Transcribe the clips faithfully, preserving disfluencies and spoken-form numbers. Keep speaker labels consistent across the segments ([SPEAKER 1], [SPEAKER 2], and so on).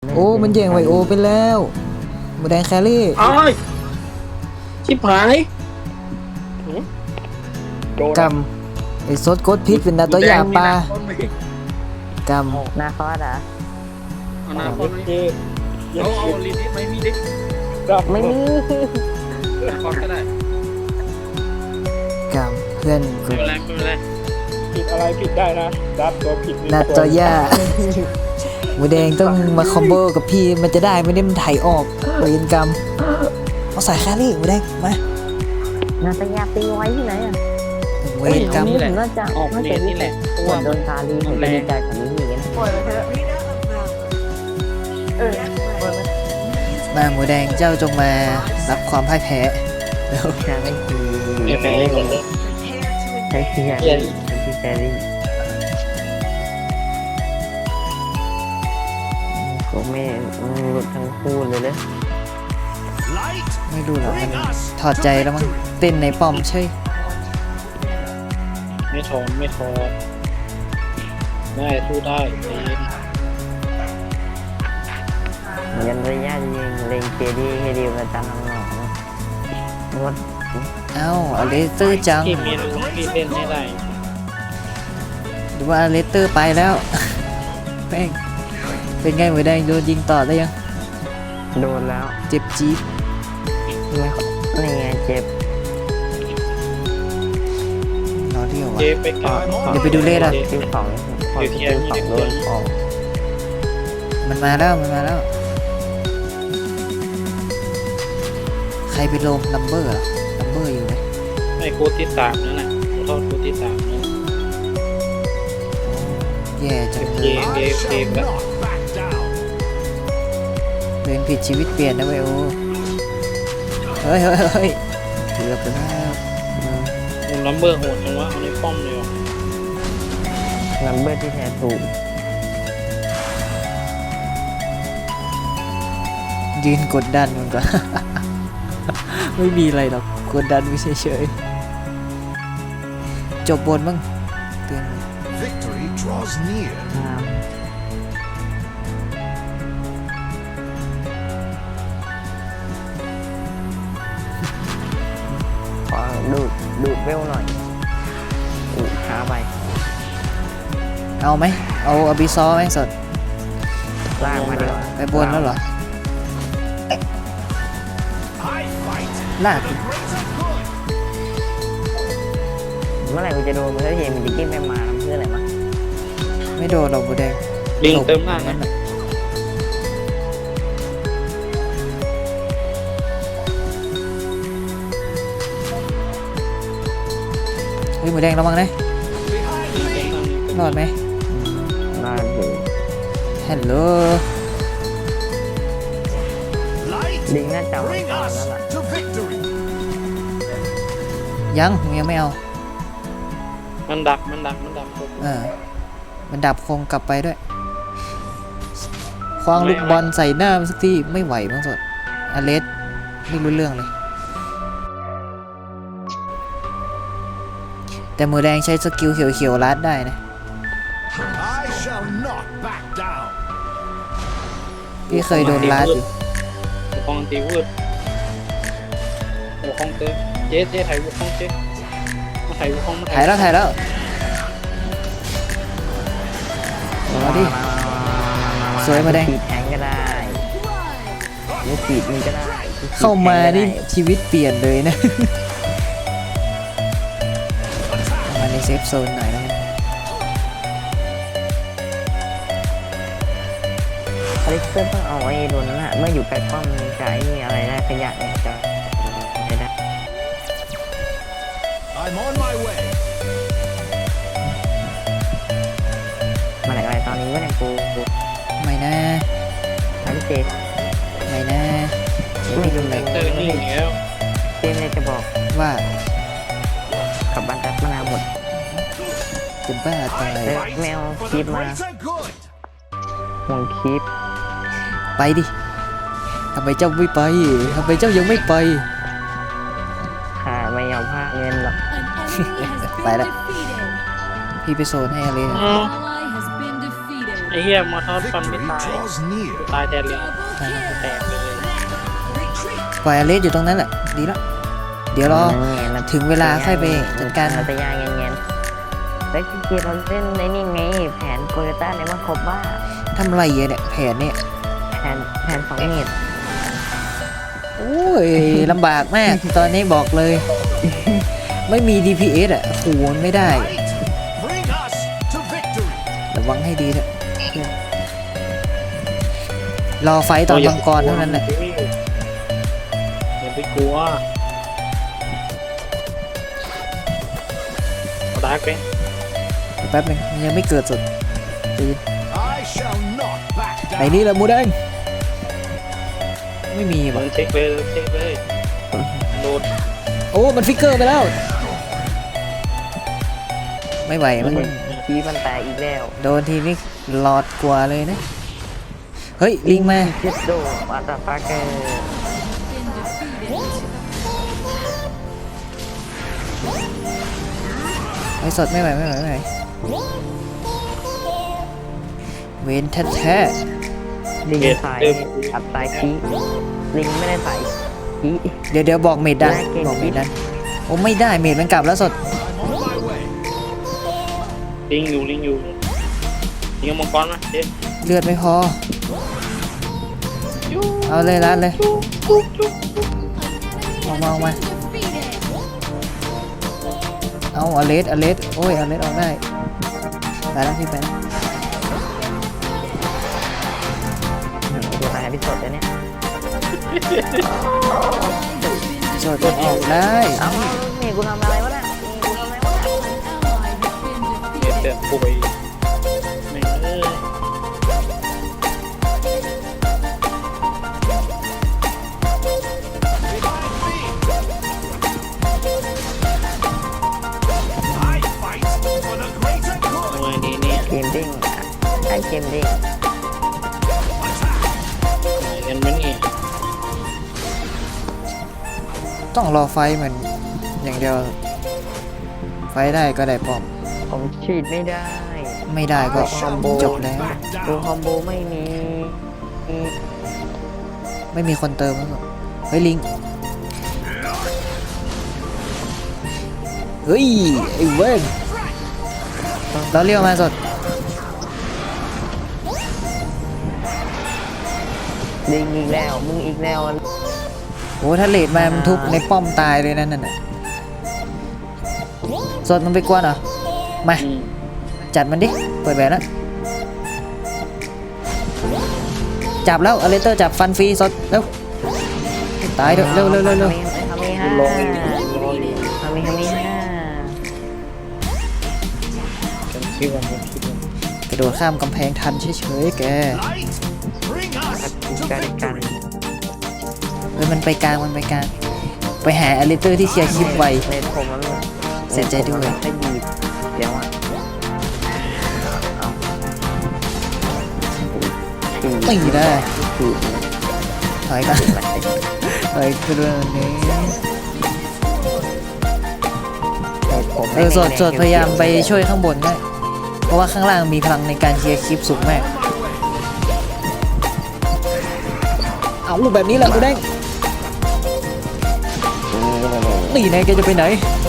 [SPEAKER 1] โอ้มันแย่งไวโอไปแล้วหมูแดงแครี่
[SPEAKER 2] อ้ายชิบหายโดน
[SPEAKER 1] กำไอ้ซดกดพิษเป็นดาตัวยาปลากำ
[SPEAKER 3] นาคอสอ่ะ
[SPEAKER 2] เอาหน้าคนไหมเอาเอาลินิไม่มีดิ
[SPEAKER 3] ไม่มี
[SPEAKER 2] คอนก็ได้
[SPEAKER 1] กำเพื่อนกู
[SPEAKER 2] ไม่เป็นไรไม่เป็นไร
[SPEAKER 4] ผิดอะไรผิดได้นะดับตัวผิด
[SPEAKER 1] ดาตัวยาหมูแดงต้องมาคอมโบกับพี่มันจะได้ไม่ได้มันไถออกเวรกรรมเอาใส่แครี่หมูแดงมา
[SPEAKER 3] นาตยาตีไว้ที่ไหนอ่ะ
[SPEAKER 1] เวรกรรม
[SPEAKER 3] นี่น่าจะ
[SPEAKER 2] ออก
[SPEAKER 3] น่า
[SPEAKER 2] เล
[SPEAKER 3] จะ
[SPEAKER 2] น
[SPEAKER 3] นี่
[SPEAKER 2] นี่
[SPEAKER 3] แห
[SPEAKER 2] แห
[SPEAKER 3] ละ
[SPEAKER 2] ละเพราะ
[SPEAKER 3] ก่อ
[SPEAKER 2] ว่าน
[SPEAKER 3] โดนคาลีผมจะดีใจกับนี้อย่างนี้นะปล่อยไปเถอะเออปล่อยไป
[SPEAKER 1] มาหมูแดงเจ้าจงมารับความพ่ายแพ้เร็ว
[SPEAKER 3] ใช่ไม่คือ
[SPEAKER 2] ไม่เป็นไรก่อนเลย
[SPEAKER 3] ใช้ที่ใช้ที่แครี่ก็ไม่หลุดทั้งคู่เลยเลย
[SPEAKER 1] ไม่รู้หรอกมันถอดใจแล้วมั้งเต้นในป้อมใช่
[SPEAKER 2] ไม่ถอนไม่ถอนได้สู้ได้ใจเย็น
[SPEAKER 3] ยันระยะยิงเล็งเจดีให้ดีมาตามน้องๆงด
[SPEAKER 1] เอ้าอเลสเตอร์จัง
[SPEAKER 2] ที่มีลูกที่เล่นไม่ได้
[SPEAKER 1] หรือว่าอเลสเตอร์ไปแล้ว แม่งเป็นไงหมูแดงโดนยิงต่อได้ยัง
[SPEAKER 3] โดนแล้ว
[SPEAKER 1] เจ็บจี๊ด
[SPEAKER 3] นี่ไงเจ็บ
[SPEAKER 1] รอเที่ยว
[SPEAKER 2] เจ
[SPEAKER 1] วะ
[SPEAKER 2] ไปก่อน
[SPEAKER 1] เดี๋ยวไปดูเลขอะ
[SPEAKER 3] คิวสองพอคิวสองโดนออก
[SPEAKER 1] มันมาแล้วมันมาแล้ว ใครไปลงลัมเบอร์เหรอลัมเบอร์อยู่ไหม
[SPEAKER 2] ไม่โคตรที่สามนั่นแหละโทษโคตรที่สามนั่น
[SPEAKER 1] แย่จังเล
[SPEAKER 2] เก
[SPEAKER 1] ย
[SPEAKER 2] มเกมเกมแล้ว
[SPEAKER 1] เดินผิดชีวิตเปลี่ยนนะเว้ยโอเฮ้ยเฮ้ยเฮ้ยเกือบไปแล้ว
[SPEAKER 2] คุณลัมเบอร์โหดจังวะเอาในป้อมเลยวะ
[SPEAKER 3] นัมเบอร์ที่แท้ถูก
[SPEAKER 1] ยืนกดดันมันก็ ไม่มีอะไรหรอกกดดันไม่เฉยๆจบบนมั้งเตือน
[SPEAKER 5] Victory draws near.
[SPEAKER 3] ขอดูดดูดเวลหน่อยอู้ช้าไป
[SPEAKER 1] เอาไหมเอาอบิซอไหมสด
[SPEAKER 3] ลากมาเดียว
[SPEAKER 1] ไปบนแล้วเหรอ
[SPEAKER 5] I fight
[SPEAKER 1] ลาก
[SPEAKER 5] the greater good.
[SPEAKER 3] เมื่อไหร่กูจะโดนเพื่อเฮมิจิกิ้งไปมาทำเพื่ออะไรมา
[SPEAKER 1] ไม่โดนหรอกบูแดง
[SPEAKER 2] ลิงเติมล่างนะ
[SPEAKER 1] เฮ้ยหมูแดงระวังนะรอดไหม
[SPEAKER 3] น่าดู
[SPEAKER 1] ฮัลโหล
[SPEAKER 5] Light
[SPEAKER 3] ลิงน่าจะเอา
[SPEAKER 5] bring
[SPEAKER 3] ตอน
[SPEAKER 5] us
[SPEAKER 3] นั้นแหละ
[SPEAKER 5] to victory.
[SPEAKER 1] ยังยังไม่เอา
[SPEAKER 2] มันดักมันดักมันดัก
[SPEAKER 1] เออมันดับคงกลับไปด้วยคว้างลูกบอลใส่หน้ามันสักทีไม่ไหวมั้งสดอเลสไม่รู้เรื่องเลย แต่มือแดงใช้สกิลเขียวๆลัดได้นะ
[SPEAKER 5] I shall not back down.
[SPEAKER 1] พี่เคยโดนลัดอยู่
[SPEAKER 2] หัวคองตีวืดหัวคองเตะเจ๊เจ๊ถ่ายหัวคองเจ๊มาถ่ายหัวคองมา
[SPEAKER 1] ถ่ายแล้วถ่ายแล้วมาดิ สวยมาแดง
[SPEAKER 3] ขีดแทงก็ได้ลูกขีดมีก็ได้
[SPEAKER 1] เข้ามานี่ชีวิตเปลี่ยนเลยนะ มาในเซฟโซนหน่อยนะ
[SPEAKER 3] อลิสเตอร์ต้องเอาไอ้ตัวนั้นอะเมื่ออยู่ใกล้ป้อมจะไอ้อะไรได้ขยะเนี่ยจะใช้ได้
[SPEAKER 5] I'm on my way.
[SPEAKER 3] มาไหนอะไรตอนนี้ว่าเนี่ยกูกู
[SPEAKER 1] ไม่นะ
[SPEAKER 3] ทำเจ
[SPEAKER 1] ไม่นะไม่ดูเลย
[SPEAKER 2] เตอร์นี่อย่างเงี้ย
[SPEAKER 3] เจมเลยจะบอก
[SPEAKER 1] ว่า
[SPEAKER 3] ขับบ้านจัดมานาวหมด
[SPEAKER 1] จะบ้าตาย
[SPEAKER 3] เออแมว
[SPEAKER 5] For
[SPEAKER 3] คลิ
[SPEAKER 5] the
[SPEAKER 3] ปมา
[SPEAKER 5] greater good.
[SPEAKER 3] ห่วงคลิป
[SPEAKER 1] ไปดิทำไมเจ้าไม่ไปทำไมเจ้ายังไม่ไป
[SPEAKER 3] ค่ะไม่ยอมพลาดเงินหรอก
[SPEAKER 1] ไปแล้วพี่ไปโซนให้อะไร
[SPEAKER 2] อ๋ออ้เหี้ยมอทอสฟันไม่
[SPEAKER 5] Victory
[SPEAKER 2] ตาย
[SPEAKER 5] draws near.
[SPEAKER 2] ตายแทนเลยแตกเลย
[SPEAKER 1] ปล่อยอเลสอยู่ตรงนั้นแหละดีแล้วเดี๋ยวรอ ถึงเวลาค่อยไปจัดการ
[SPEAKER 3] เราจะยางเงี้ยๆแล้วจริงๆเราเล่นในนี่ไงแผนโกโยต้าเนี่ยมันครบว่า
[SPEAKER 1] ทำอะไรอะเนี่ยแผนเนี่ย
[SPEAKER 3] แผนแผนสองเมตร
[SPEAKER 1] โอ้ยลำบากมาก ตอนนี้บอกเลย ไม่มี ดี พี เอส อ่ะโหนไม่ได้
[SPEAKER 5] Bring us to victory.
[SPEAKER 1] ระวังให้ดีเถอะรอไฟต์ตอนมังกรเท่านั้นแหละ
[SPEAKER 2] อย่าไปกลัวเอาดาร์กไป
[SPEAKER 1] แป๊บหนึงยังไม่เกิดสุดใจเย็น
[SPEAKER 5] I shall not back
[SPEAKER 1] ไหน
[SPEAKER 5] down.
[SPEAKER 1] นี่ละมูแดงไม่มี
[SPEAKER 2] มั
[SPEAKER 1] ว่ะ
[SPEAKER 2] นเช็คเลยเช็คเลยโดน
[SPEAKER 1] โอ้มันฟิกเกอร์ไปแล้ว ไม่ไหวมัน
[SPEAKER 3] ชี้มันแตกอีกแล้ว
[SPEAKER 1] โดนทีนี้หลอดกว่าเลยนะ เฮ้ย ลิงมา
[SPEAKER 3] คิดดูมาตาฟาเกอร์
[SPEAKER 1] ไม่สดไม่ไหวไม่ไหวไม่ไหวเวนแท้
[SPEAKER 3] ลิงใส่อัดใส่ชี้ลิงไม่ได้ใส่ชี้
[SPEAKER 1] ๆเดี๋ยวเดี๋ยวบอกเมดดัน
[SPEAKER 3] ได้เก่ง
[SPEAKER 1] บอกเมดดันโอ้ไม่ได้เมดมันกลับแล้วสด
[SPEAKER 5] I'm on my way.
[SPEAKER 2] ลิงอยู่ลิงอยู่ลิงเอามังกรมาเจ๊
[SPEAKER 1] เลือดไม่พอ เอาเลยรัดเลยออกมาออกมาเอาอเลสอเลสโอ้ยอเลสออกได้ไปแล้วพี่ไปแล้ว
[SPEAKER 3] ดูนายพิสดเลยเนี่ย
[SPEAKER 1] สดออกได้
[SPEAKER 3] เอ้านี่กูทำอะไรวะเนี่ยนี่กูทำอะไรวะเนี่ย
[SPEAKER 2] เดี๋ยวเดี๋ยวกูไปแม่งเอ้ย
[SPEAKER 5] I fight for the greater
[SPEAKER 2] ทำ
[SPEAKER 5] good.
[SPEAKER 2] ไมดีเนี่ย
[SPEAKER 3] เกมดิ้งไอ้เกมดิ้ง
[SPEAKER 2] เงินมันนี่
[SPEAKER 1] ต้องรอไฟเหมือนอย่างเดียว ไฟได้ก็ได้ป้อม
[SPEAKER 3] ผมฉีดไม่ได้
[SPEAKER 1] ไม่ได้ก็
[SPEAKER 5] I shall
[SPEAKER 1] จบ
[SPEAKER 5] not
[SPEAKER 1] แล้ว
[SPEAKER 5] back
[SPEAKER 3] ดู
[SPEAKER 5] down.
[SPEAKER 3] คอมโบไม่มี
[SPEAKER 1] ไม่มีคนเติมแล้วเฮ้ยลิง เฮ้ย ไอ้เว้นเราเรียกมาสด
[SPEAKER 3] ลิงอีกแล้วมึงอีกแล้ว
[SPEAKER 1] โอ้ถ้าเลดมามันทุบในป้อมตายเลยนั่นน่ะสดมันไปกวนเหรอ มา
[SPEAKER 2] อืม
[SPEAKER 1] จัดมันดิ เปิดแบบแล้ว จับแล้วอเลเตอร์จับฟันฟรีสดเร็ว ตายเถอะเร็วเร็วเร็วเร็ว
[SPEAKER 3] ทำมีห้า
[SPEAKER 2] ลง
[SPEAKER 3] ทำมีทำมีห้า
[SPEAKER 2] ฉันคิดว่าฉันคิดว่าก
[SPEAKER 1] ระโดดข้ามกำแพงทันเฉยๆแก
[SPEAKER 5] Light, bring us to
[SPEAKER 3] กันกัน
[SPEAKER 5] victory.
[SPEAKER 1] เฮ้ยมันไปกลางมันไปกลาง ไปหาอเลเตอร์ที่เคลียร์คลิปไว
[SPEAKER 3] ในผมมัน
[SPEAKER 1] เสียใจด้วย
[SPEAKER 3] ถ้ายีบเดี๋ยวอ่ะเอาที
[SPEAKER 1] ไม่ได้
[SPEAKER 3] ที
[SPEAKER 1] ถอยกันถอยกระโดดนี้ เออสดสดพยายามไปช่วยข้างบนได้เพราะว่าข้างล่างมีพลังในการเคลียร์คลิปสูงมาก เอาแบบนี้แหละกูแดงนี่ไงแกจะไปไหน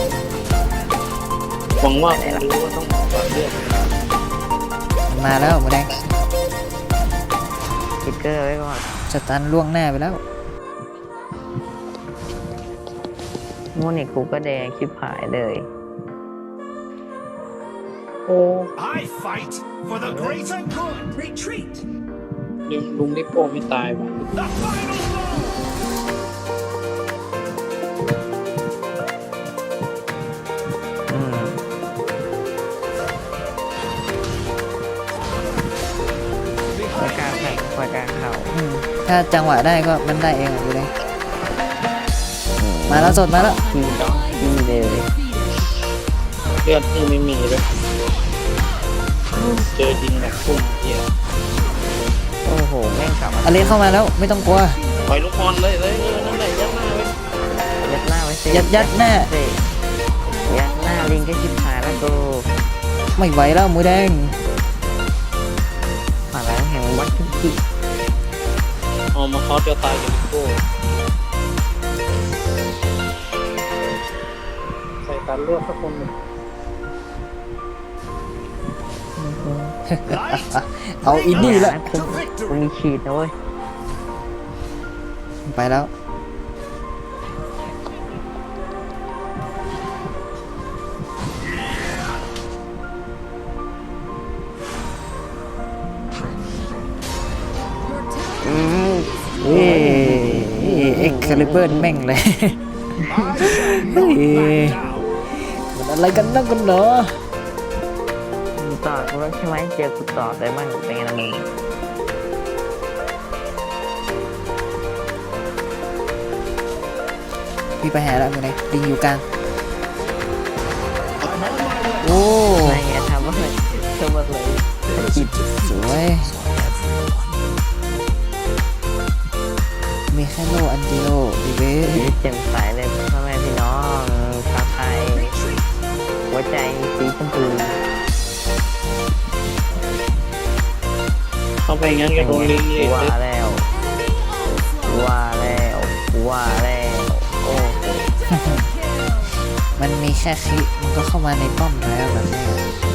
[SPEAKER 2] หวังว่าผมรู้ว่าต้องวางเรื่อง
[SPEAKER 1] มันมาแล้วหมูแดง
[SPEAKER 3] สติ๊กเกอร์ไว้ก่อน
[SPEAKER 1] สตันล่วงหน้าไปแล้ว
[SPEAKER 3] โมนิกกูก็แดงชิบหายเลย
[SPEAKER 2] โอ้
[SPEAKER 5] I fight for the greater good. Retreat.
[SPEAKER 2] ลุงลุงนี่โป้ไม่ตายว่ะ
[SPEAKER 5] The final blow.
[SPEAKER 3] อืมคอยกลางแข่งคอยกลางเข่า
[SPEAKER 1] อืมถ้าจังหวะได้ก็มันได้เองอะหมูแดงมาแล้วสดมาแล้ว
[SPEAKER 3] ทีดอกทีเลย
[SPEAKER 2] เลือดนี่ไม่มีเลยเจอจริงแบบพุ่งเหี้ย
[SPEAKER 3] โอ้โหแม่งกลับมา
[SPEAKER 1] อเลนเข้ามาแล้วไม่ต้องกลัว
[SPEAKER 2] ปล่อยลูกบอลเลยเลยเออนั่นแหละยัดหน้าไว้
[SPEAKER 3] ยัดหน้าไว้สิ
[SPEAKER 1] ยัดยัดหน้า
[SPEAKER 3] สิยัดหน้าลิงก็ชิบหายแล้วกู
[SPEAKER 1] ไม่ไหวแล้วหมูแดง
[SPEAKER 3] วัดที่ที่
[SPEAKER 2] เอามาคอสจะตายกับลิโก้ใส่การเลือกสักคนหนึ่ง
[SPEAKER 5] Light,
[SPEAKER 1] เอาอินดี้ละ
[SPEAKER 3] กูกูมีฉีดนะเว้ย
[SPEAKER 1] ไปแล้ว
[SPEAKER 3] อืม
[SPEAKER 1] เอ้เอ็กคาลิเบอร์แม่งเลย
[SPEAKER 5] I shall not back down.
[SPEAKER 1] มันอะไรกันนักกันเนาะ
[SPEAKER 3] มึงต่อกูแล้วใช่ไหมเจอกูต่อได้บ้างเป็นไงล่ะมึง
[SPEAKER 1] พี่ไปหาแล้วอยู่ไหนดิงอยู่กลาง
[SPEAKER 5] I'm on my way.
[SPEAKER 1] โอ้
[SPEAKER 3] ไม่ไงทำว่าเลยทำว่าเลยจิต
[SPEAKER 1] สวยมีแค่โลอันเดียวดีเว้ย
[SPEAKER 3] ชีวิตแจ่มใสเลยพ่อแม่พี่น้องชาวไทยหัวใจสีชมพู
[SPEAKER 2] เข้าไปงั้นก็โดนลิงเลย
[SPEAKER 3] ว่าแล้วว่าแล้วว่าแล้วโอ้โห
[SPEAKER 1] มันมีแค่คิมันก็เข้ามาในป้อมแล้วแบบนี้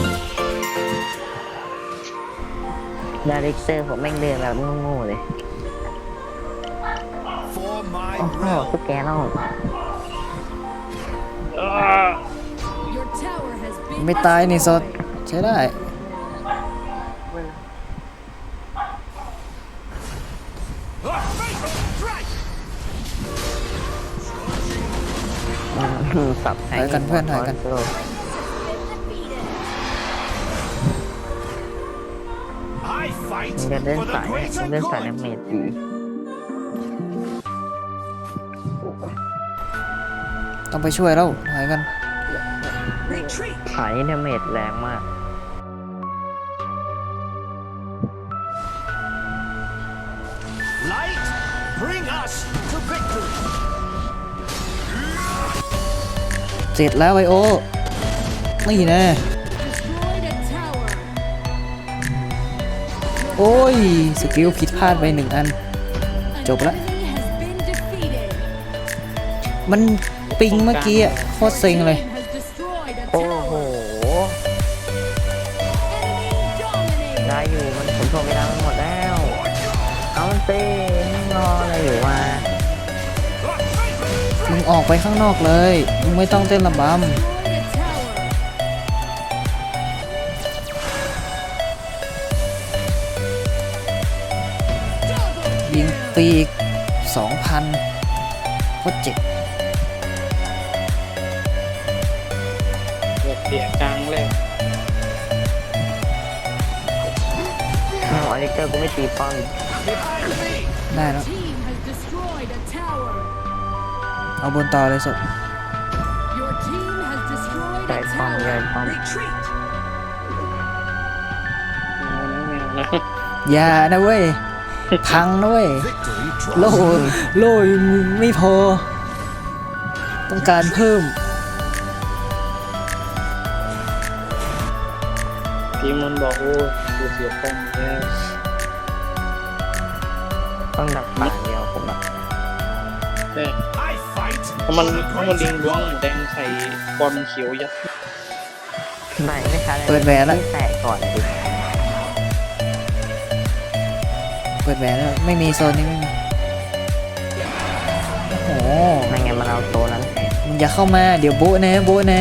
[SPEAKER 3] ดาริกเตอร์ผมแม่งเดินแบบโง่ๆเลย
[SPEAKER 5] For my
[SPEAKER 3] โอ้โห
[SPEAKER 5] will.
[SPEAKER 3] ทุกแกน้อง
[SPEAKER 6] Your tower has been
[SPEAKER 1] ไม่ตายนี่สดใช้ได้
[SPEAKER 3] อืมสับแทง
[SPEAKER 1] ถอยกันเพื่อนถอยกัน
[SPEAKER 5] I fight
[SPEAKER 3] มึงจะเดิน
[SPEAKER 5] for
[SPEAKER 3] สา
[SPEAKER 5] the
[SPEAKER 3] ยเนี่ยมึ
[SPEAKER 5] greater
[SPEAKER 3] งเดินสาย
[SPEAKER 5] good.
[SPEAKER 3] น้ำเมจดี
[SPEAKER 1] ต้องไปช่วยแล้วถอยกัน
[SPEAKER 3] สายน้ำเมจแรงมาก
[SPEAKER 5] Light, bring us to victory.
[SPEAKER 1] เสร็จแล้วไอโอนี่นะ
[SPEAKER 6] destroyed a tower.
[SPEAKER 1] โอ้ย สกิลผิดพลาดไปหนึ่งอัน
[SPEAKER 6] An
[SPEAKER 1] Chụp đó.
[SPEAKER 6] enemy has been defeated.
[SPEAKER 1] มันปิงเมื่อกี้อะโคตรเซ็งเลย
[SPEAKER 6] Team has destroyed a
[SPEAKER 3] โอ้โห
[SPEAKER 6] tower. Enemy
[SPEAKER 3] ได้
[SPEAKER 6] dominated.
[SPEAKER 3] อยู่มันผมโทรไปดังหมดแล้ว เอามันเต้ไม่รออะไรอยู่วะ
[SPEAKER 1] มึงออกไปข้างนอกเลย มึงไม่ต้องเต้นระบ
[SPEAKER 6] Destroyed a tower.
[SPEAKER 1] ำยิงปีกสองพันโคตรเจ็บ
[SPEAKER 2] เดือดเสียกลางเลย
[SPEAKER 3] เอาอลิเตอร์กูไม่ตีป้อม
[SPEAKER 1] ได้แล้ว
[SPEAKER 6] Team has destroyed a tower.
[SPEAKER 1] เอาบนต่อเลยสด
[SPEAKER 6] Your team has destroyed
[SPEAKER 3] ใส่
[SPEAKER 6] a
[SPEAKER 3] ป้อมใหญ่
[SPEAKER 6] tower.
[SPEAKER 3] ป้อม
[SPEAKER 2] แมวนะแมวนะ
[SPEAKER 1] อย่านะเว้ย พังนะเว้ย
[SPEAKER 5] Victory
[SPEAKER 1] โล
[SPEAKER 5] draws.
[SPEAKER 1] โลยังไม่พอ ต้องการเพิ่ม
[SPEAKER 2] ทีมมันบอกโอ้ยกูเสียป้อมแล้ว
[SPEAKER 3] ต้องดักป่าเดียวผมอะ
[SPEAKER 2] แต่
[SPEAKER 5] I fight
[SPEAKER 2] ถ้ามัน
[SPEAKER 5] for the
[SPEAKER 2] ถ้ามันลิง
[SPEAKER 5] greater
[SPEAKER 2] ล้วง
[SPEAKER 5] good.
[SPEAKER 2] แดงใส่บอลเขียวยัด
[SPEAKER 3] ไม่ไม่ทัน
[SPEAKER 1] เปิดแหวนละ
[SPEAKER 3] ที่แตกก่อนดิ
[SPEAKER 1] เปิดแหวนแล้วไม่มีโซนนี้ไม่มี โอ้โห
[SPEAKER 3] ไม่งั้นมันเอาโซนนั้นแทน
[SPEAKER 1] มึงอย่าเข้ามา เดี๋ยวโบะนะโบะนะ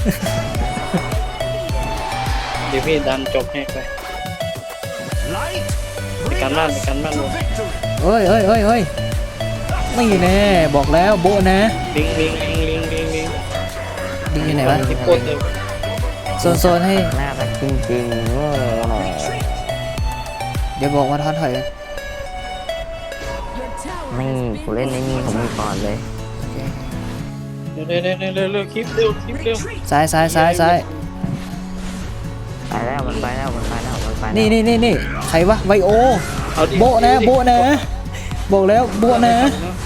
[SPEAKER 2] เดี๋ยวพี่ดันจบให้ไป
[SPEAKER 5] Light,
[SPEAKER 2] ใน
[SPEAKER 5] bring
[SPEAKER 2] การบ้าน
[SPEAKER 5] us
[SPEAKER 2] ในการบ้าน
[SPEAKER 5] to
[SPEAKER 2] ลง
[SPEAKER 5] victory.
[SPEAKER 1] เอ้ยเอ้ยเอ้ยเอ้ยไม่แน่บอกแล้วโบะนะ
[SPEAKER 2] ลิงลิงลิงลิงลิงลิง
[SPEAKER 1] ดิงอยู่ไหนวะ
[SPEAKER 2] ที่โคตรเต็ม
[SPEAKER 1] โซนโซนให้
[SPEAKER 3] น่ารักจริงๆโง่หน่อย
[SPEAKER 1] เดี๋ยวบอกมาทอนถอยกัน
[SPEAKER 6] Your tower
[SPEAKER 3] นี่
[SPEAKER 6] has
[SPEAKER 3] กูเล่นใน
[SPEAKER 6] been
[SPEAKER 3] นี่ผมมีก่อนเลย
[SPEAKER 1] โอเค
[SPEAKER 2] เร็วเร็วเร็วเร็วเร็วเร็วคลิปเร็วคลิปเร็ว
[SPEAKER 1] ซ้ายซ้ายซ้ายซ้าย
[SPEAKER 3] ไปแล้วมันไปแล้วมันไปแล้วมันไปแล้ว
[SPEAKER 1] นี่นี่นี่นี่ใครวะไวโอ
[SPEAKER 2] เอาดิ
[SPEAKER 1] โบะนะโบะนะ บอกแล้วโบะนะ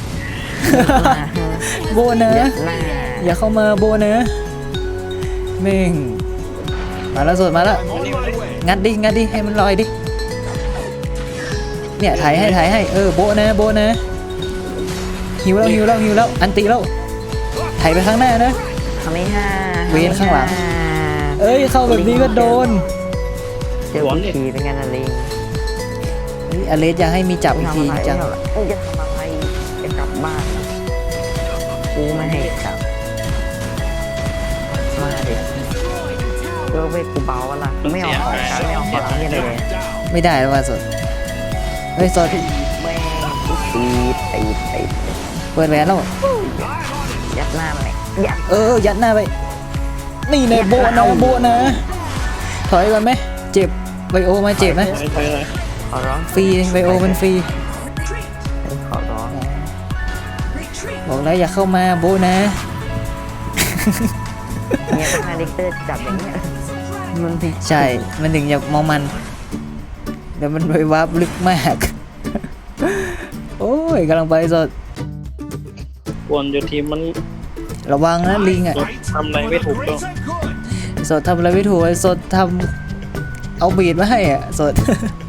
[SPEAKER 1] โบะนะ
[SPEAKER 3] ยัดหน้า
[SPEAKER 1] อย่าเข้ามาโบะนะเม่งมาแล้วสดมาแล้ว
[SPEAKER 5] I'm on my way.
[SPEAKER 1] งัดดิงัดดิให้มันลอยดิเนี่ยถ่ายให้ถ่ายให้เออโบะนะโบะนะหิวแล้วหิวแล้วหิวแล้วอันตีแล้วถ่ายไปข้างหน้านะ
[SPEAKER 3] ทำไม่ห้า
[SPEAKER 1] เวียนข้างหลัง เอ้ยเข้าแบบนี้ก็โดน
[SPEAKER 3] เจอผู้ขี่เป็นไงนะลิง
[SPEAKER 1] เฮ้ยอเลสอยากให้มีจับอีกทีจัง
[SPEAKER 3] มึงจะทำอะไรจะกลับบ้านกูไม่ให้กลับมาดิเออเว้ยกูเบาละไม่เอาของกันไม่เอาของอะไรเลย
[SPEAKER 1] ไม่ได้แล้วว่าสดเฮ้ยสด
[SPEAKER 3] แม่งตีตีตี
[SPEAKER 1] เปิดแหวนแล้ว
[SPEAKER 3] ยัดหน้ามันเลยยัด
[SPEAKER 1] เออยัดหน้าไปนี่ในโบะนะโบะนะถอยกันไหมเจ็บไบโอมาเจ็บไหม
[SPEAKER 2] ไม่ใช่เลย
[SPEAKER 3] ขอร้อง
[SPEAKER 1] ฟรีไบโอมันฟรี
[SPEAKER 3] ขอร้อง
[SPEAKER 1] บอกแล้วอย่าเข้ามาโบะนะ
[SPEAKER 3] เนี่ยถ้าคาแรคเตอร์จับอย่างเงี้ยมันผิด
[SPEAKER 1] ใช่ มันถึงอย่ามองมัน เดี๋ยวมันไปวาร์ปลึกมาก โอ้ยกำลังไปสด
[SPEAKER 2] บนอยู่ทีมมัน
[SPEAKER 1] ระวังนะลิงอ่ะ
[SPEAKER 2] ทำอะไรไม่ถูกต้อง
[SPEAKER 1] สดทำอะไรไม่ถูกไอ้สดทำเอาบีดมาให้อ่ะสด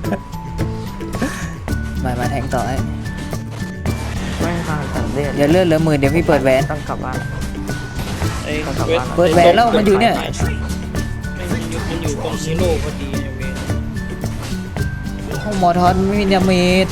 [SPEAKER 1] มามาแทงต่อให้
[SPEAKER 3] ไม่ฟังสังเกต
[SPEAKER 1] เดี๋ยวเลื่อนเหลือหมื่นเดี๋ยวพี่เปิดแหวน
[SPEAKER 3] ต้องกลับบ้าน
[SPEAKER 2] ไอ้
[SPEAKER 3] ต้องกลับ
[SPEAKER 2] เวท
[SPEAKER 3] บ้าน
[SPEAKER 1] เปิดแหวนแล้วมันอยู่เนี่ย
[SPEAKER 2] ไม่มันอยู่มันอยู่ตรงฮีโร่พอดีไอ้เวท
[SPEAKER 1] ห้องหมอทอนไม่มีดาเมจ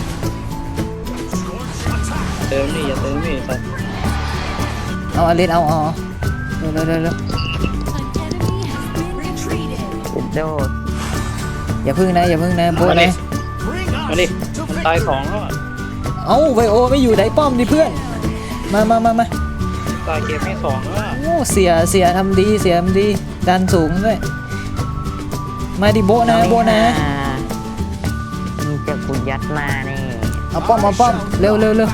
[SPEAKER 2] เติมนี่อย่าเติมนี่สัตว์
[SPEAKER 1] เอาอเลสเอาเอาเร็วเร็วเร็วเร็ว
[SPEAKER 6] An enemy has been retreated.
[SPEAKER 3] โดด
[SPEAKER 1] อย่าพึ่งนะอย่าพึ่งนะโบะนะ
[SPEAKER 2] มาดิมันตายสองแล้วอะ
[SPEAKER 1] เอ้าไวโอไม่อยู่ไหนป้อมดิเพื่อน มามามามา
[SPEAKER 2] ตายเกมไม่สองแล้วอะ
[SPEAKER 1] โอ้เสียเสียทำดีเสียทำดีดันสูงด้วยมาดิโบะนะโบะนะ
[SPEAKER 3] มึงจะกูยัดหน้านี่
[SPEAKER 1] เอาป้อมเอาป้อมเร็วเร็วเร็ว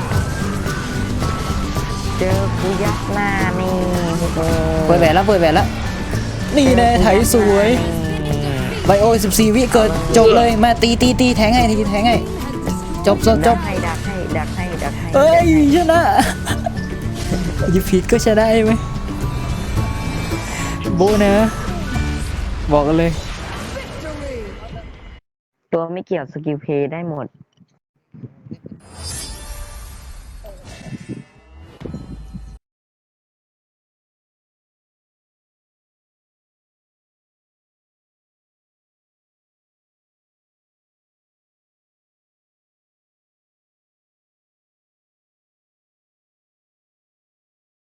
[SPEAKER 3] เจอกูยัดหน้านี่
[SPEAKER 1] เปิดแหวนแล้วเปิดแหวนแล้วนี่แน่ไถสวยไบโอสิบสี่วิเกิดจบเลยมาตีตีตีแทงให้ทีแทงให้จบจบจ
[SPEAKER 3] ดั
[SPEAKER 1] บ
[SPEAKER 3] กให้ดักให้ดักให้ดักให้
[SPEAKER 1] เอ้ยชนะยิบผิดก็ชนะไหมโบะนะบอกกันเลย
[SPEAKER 3] ตัวไม่เกี่ยวสกิลเพย์ได้หมด